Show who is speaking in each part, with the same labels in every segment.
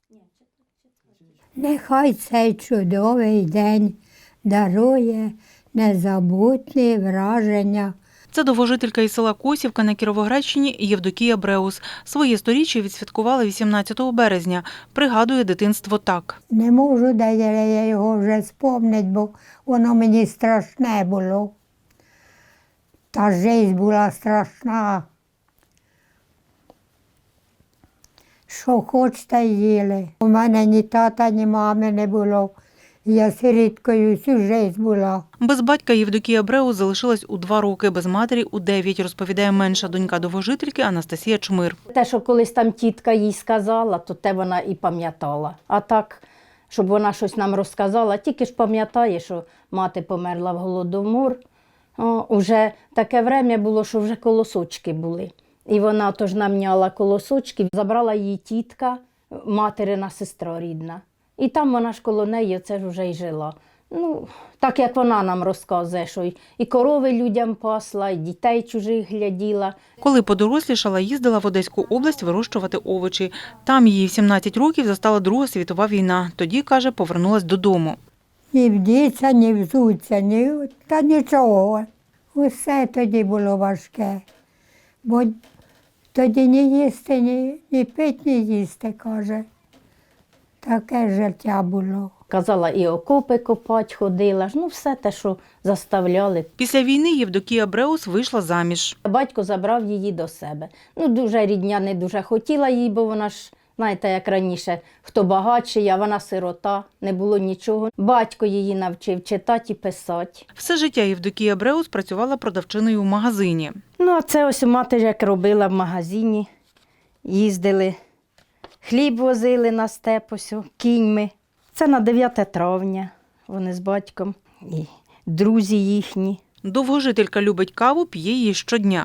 Speaker 1: Нехай цей чудовий день дарує незабутні враження.
Speaker 2: Це довгожителька із села Косівка на Кіровоградщині Євдокія Бреус. Своє сторіччя відсвяткувала 18 березня. Пригадує дитинство так.
Speaker 1: Не можу, де я його вже спомнити, бо воно мені страшне було. Та життя була страшна. Що хочете їли. У мене ні тата, ні мами не було. Я сиріткою всю життя була.
Speaker 2: Без батька Євдокія Бреус залишилась у 2 роки, без матері – у 9, розповідає менша донька довгожительки Анастасія Чмир.
Speaker 3: Те, що колись там тітка їй сказала, то те вона і пам'ятала. А так, щоб вона щось нам розказала, тільки ж пам'ятає, що мати померла в Голодомор. Уже таке время було, що вже колосочки були. І вона тож намняла колосочки, забрала її тітка, материна сестра рідна. І там вона ж коло неї оце ж вже й жила. Ну, так як вона нам розказує, що і корови людям пасла, і дітей чужих гляділа.
Speaker 2: Коли подорослішала, їздила в Одеську область вирощувати овочі. Там її в 17 років застала Друга світова війна. Тоді, каже, повернулась додому.
Speaker 1: Ні вдіться, ні взуться, та нічого. Усе тоді було важке. Бо тоді ні їсти, ні пити, ні їсти, каже. Таке життя було.
Speaker 3: Казала, і окопи копати ходила, ну все те, що заставляли.
Speaker 2: Після війни Євдокія Бреус вийшла заміж.
Speaker 3: Батько забрав її до себе. Ну, дуже рідня не дуже хотіла її, бо вона ж, знаєте, як раніше, хто багатший, а вона сирота, не було нічого. Батько її навчив читати і писати.
Speaker 2: Все життя Євдокія Бреус працювала продавчиною в магазині.
Speaker 3: Ну, а це ось мати як робила в магазині, їздили, хліб возили на степ ось, кіньми. Це на 9 травня вони з батьком і друзі їхні.
Speaker 2: Довгожителька любить каву, п'є її щодня.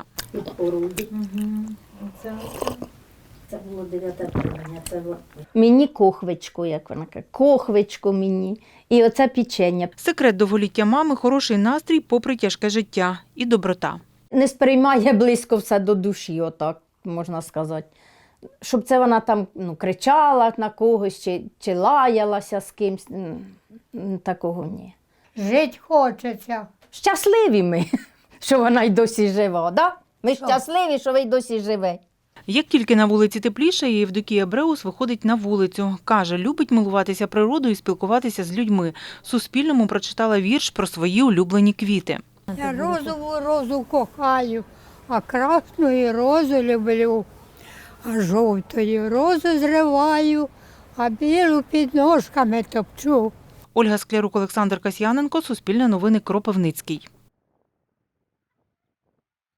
Speaker 3: Це було 9 травня. Мені кохвичку, як вона каже, кохвичку мені. І оце печення.
Speaker 2: Секрет довголіття мами – хороший настрій попри тяжке життя і доброта.
Speaker 3: Не сприймає близько все до душі, отак можна сказати. Щоб це вона там кричала на когось чи лаялася з кимсь, такого ні.
Speaker 1: Жить хочеться.
Speaker 3: Щасливі ми, що вона й досі жива, да? Ми щасливі, що ви й досі живе.
Speaker 2: Як тільки на вулиці тепліше, Євдокія Бреус виходить на вулицю. Каже, любить милуватися природою і спілкуватися з людьми. Суспільному прочитала вірш про свої улюблені квіти.
Speaker 1: Я розову розу кохаю, а красну розу люблю. А жовтою розу зриваю, а білу під ножками топчу.
Speaker 2: Ольга Склярук, Олександр Касьяненко, Суспільне новини, Кропивницький.